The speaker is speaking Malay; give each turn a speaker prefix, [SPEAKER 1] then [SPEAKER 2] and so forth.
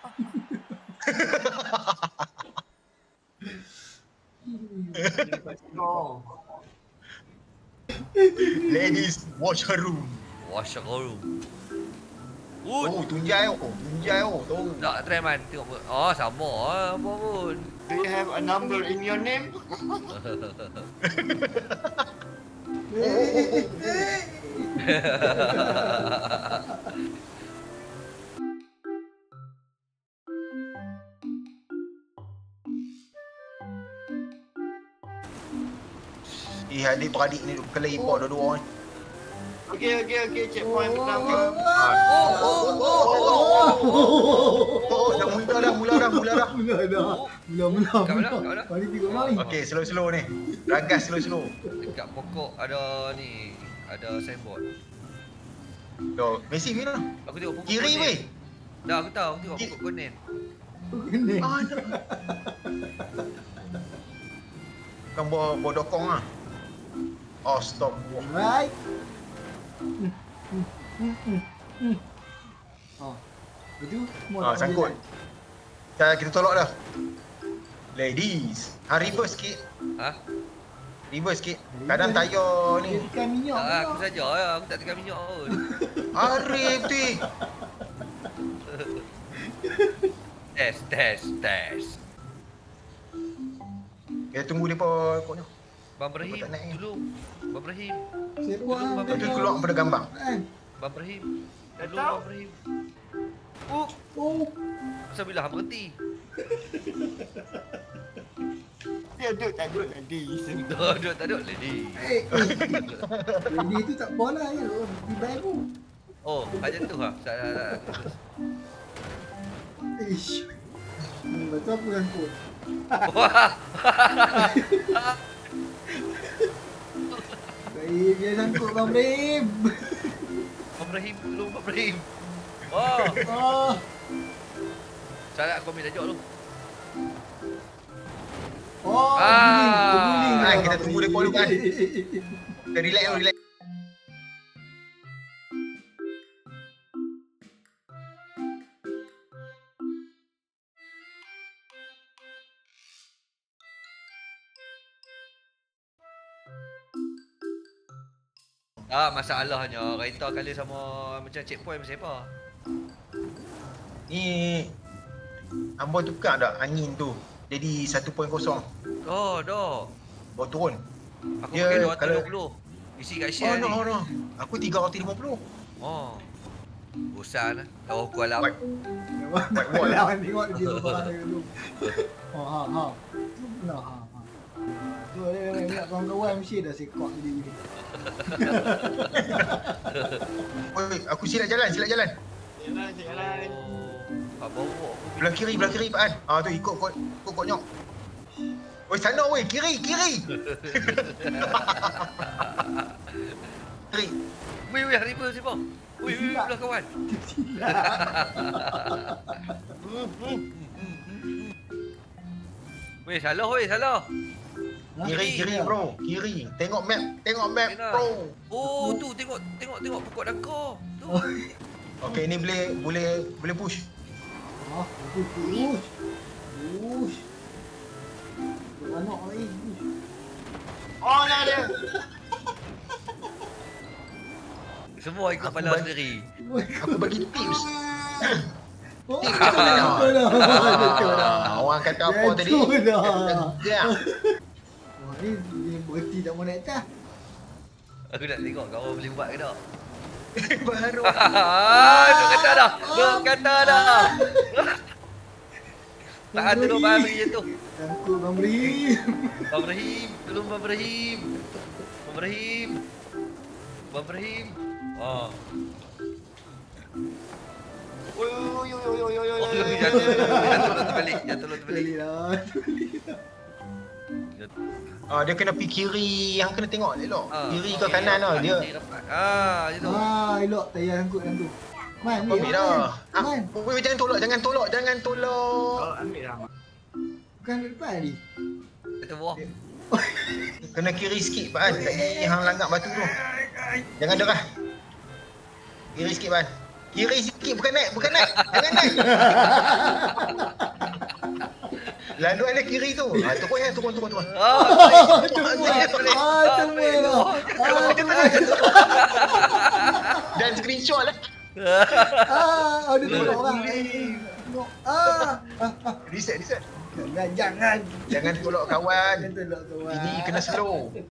[SPEAKER 1] Ladies, watch her room.
[SPEAKER 2] Wash room.
[SPEAKER 1] Oh, tunjai tu.
[SPEAKER 2] Tak try man, tengok pun. Oh, sama apa pun.
[SPEAKER 3] Do you have a number in your name?
[SPEAKER 1] Adik-beradik ni kena import dua-dua ni.
[SPEAKER 3] Okay, checkpoint pertama.
[SPEAKER 1] Dah mula dah.
[SPEAKER 2] Kat mana?
[SPEAKER 4] Mari tengok mari.
[SPEAKER 1] Okey, slow ni. Ragas slow.
[SPEAKER 2] Dekat pokok ada ni, ada signboard.
[SPEAKER 1] Yo, Messi mana?
[SPEAKER 2] Aku tengok pokok
[SPEAKER 1] Kiri
[SPEAKER 2] konen.
[SPEAKER 1] weh.
[SPEAKER 2] Dah aku tahu, aku tengok pokok konen.
[SPEAKER 4] Kena.
[SPEAKER 1] Bukan bawa dokong ah. Oh, stop.
[SPEAKER 4] Right. Oh. Itu semua tak
[SPEAKER 1] Sangkut.
[SPEAKER 4] boleh
[SPEAKER 1] Kita tolak dah. Ladies, reverse sikit.
[SPEAKER 2] Ha?
[SPEAKER 1] Reverse sikit. Kadang tayar
[SPEAKER 4] jalan. Dia
[SPEAKER 1] ni.
[SPEAKER 4] tekan minyak.
[SPEAKER 2] Tak, aku saja ya, aku tak tekan minyak pun.
[SPEAKER 1] Arif tu.
[SPEAKER 2] Test.
[SPEAKER 1] Kita tunggu depa pokoknya.
[SPEAKER 2] Bang Ibrahim,
[SPEAKER 1] Tak naik.
[SPEAKER 2] tolong. Bang Ibrahim,
[SPEAKER 4] Siapa
[SPEAKER 1] Betul keluar pada gambar.
[SPEAKER 2] Bang Ibrahim.
[SPEAKER 3] Dah
[SPEAKER 2] Tolong
[SPEAKER 3] tahu?
[SPEAKER 2] Bang Ibrahim.
[SPEAKER 4] Oh.
[SPEAKER 2] Pasal bila hang berhenti?
[SPEAKER 3] Dia duduk tak duduk tadi.
[SPEAKER 2] Duduk tak duduk lady.
[SPEAKER 4] Jadi itu tak bola ya. Di baru.
[SPEAKER 2] Oh, macam tu ha. Tak.
[SPEAKER 4] Ish. Betul apa sangkut?
[SPEAKER 2] Wah.
[SPEAKER 4] Baik, dia sangkut Bang Brim.
[SPEAKER 2] Bang Ibrahim, tolong Bang Ibrahim. Oh,
[SPEAKER 4] Oh.
[SPEAKER 2] salah aku ambil tajuk tu.
[SPEAKER 4] Oh,
[SPEAKER 2] Ah.
[SPEAKER 1] Ah, kita tunggu depa dulu kan. Kita relax.
[SPEAKER 2] Masalahnya kereta kali sama macam checkpoint macam apa?
[SPEAKER 1] Ni Amboi tukar tak angin tu. Jadi 1.0.
[SPEAKER 2] Oh, dah.
[SPEAKER 1] Bawa turun.
[SPEAKER 2] Aku
[SPEAKER 1] Ya,
[SPEAKER 2] pakai
[SPEAKER 1] kalau-
[SPEAKER 2] 220. Isi kat
[SPEAKER 1] Oh
[SPEAKER 2] share ni.
[SPEAKER 1] no. Aku 350.
[SPEAKER 2] Oh. Bosan lah. Tahu aku alam.
[SPEAKER 1] White wall.
[SPEAKER 4] Lawan tengok dia barang dulu. Oh, ha. Tu pula ha. Tu dia nak kawan-kawan mesti dah sekok dia ni.
[SPEAKER 1] Oi, aku silap jalan.
[SPEAKER 3] Jalan.
[SPEAKER 2] Oh. Bawa aku.
[SPEAKER 1] Belah kiri Pak An. Tu ikut kod nyok. Oi, sana weh, kiri. Kiri.
[SPEAKER 2] Weh, haripa siapa? Weh, belah kawan. Salah.
[SPEAKER 1] Kiri bro. Kiri. Tengok map
[SPEAKER 2] Kena.
[SPEAKER 1] bro.
[SPEAKER 2] Oh, tu tengok pokok dangkar. Tu.
[SPEAKER 1] Okey, ni boleh push.
[SPEAKER 4] Oh, push. Anak lagi.
[SPEAKER 3] Oh, dah dia.
[SPEAKER 2] Semua ikut
[SPEAKER 1] Aku
[SPEAKER 2] pala
[SPEAKER 1] bagi-
[SPEAKER 2] sendiri.
[SPEAKER 1] Aku bagi tips.
[SPEAKER 4] Oh,
[SPEAKER 1] Tips.
[SPEAKER 4] betul dah.
[SPEAKER 1] Orang kata apa tadi?
[SPEAKER 4] Betul dah.
[SPEAKER 1] Ya.
[SPEAKER 4] Wah, ni berhenti tak mau naik atas.
[SPEAKER 2] Aku nak tengok kau boleh buat ke tak.
[SPEAKER 1] Baru.
[SPEAKER 2] Duk kata dah. Tahan dulu Bang Ibrahim tu.
[SPEAKER 4] Sangkut Bang Brim.
[SPEAKER 2] Bang Ibrahim, tolong Bang Ibrahim. Bang Ibrahim. Oh.
[SPEAKER 3] Oi.
[SPEAKER 2] Jatuh terbalik.
[SPEAKER 4] Balik lah.
[SPEAKER 1] Dia kena pergi kiri. Yang kena tengok elok. Kiri ke
[SPEAKER 2] okey,
[SPEAKER 1] kanan lah. Dia
[SPEAKER 2] rapat. Macam tu.
[SPEAKER 4] Elok tayar sangkut yang tu. Man,
[SPEAKER 1] ambil dah.
[SPEAKER 4] Man,
[SPEAKER 1] Weh, jangan tolak.
[SPEAKER 3] Oh, ambil dah.
[SPEAKER 4] bukan depan ni.
[SPEAKER 2] Kata bawah.
[SPEAKER 1] kena kiri sikit Pak An. Tadi hang langgar batu tu. Jangan derah. Kiri sikit Pak An. Kiri sikit, bukan naik. Jangan naik. Lalu ada kiri tu. Turun ya, turun. Dan screenshot lah.
[SPEAKER 4] Ada tolak orang.
[SPEAKER 1] Reset.
[SPEAKER 4] Jangan.
[SPEAKER 1] Jangan tolak kawan.
[SPEAKER 4] Jangan tolak kawan.
[SPEAKER 1] Ini kena slow.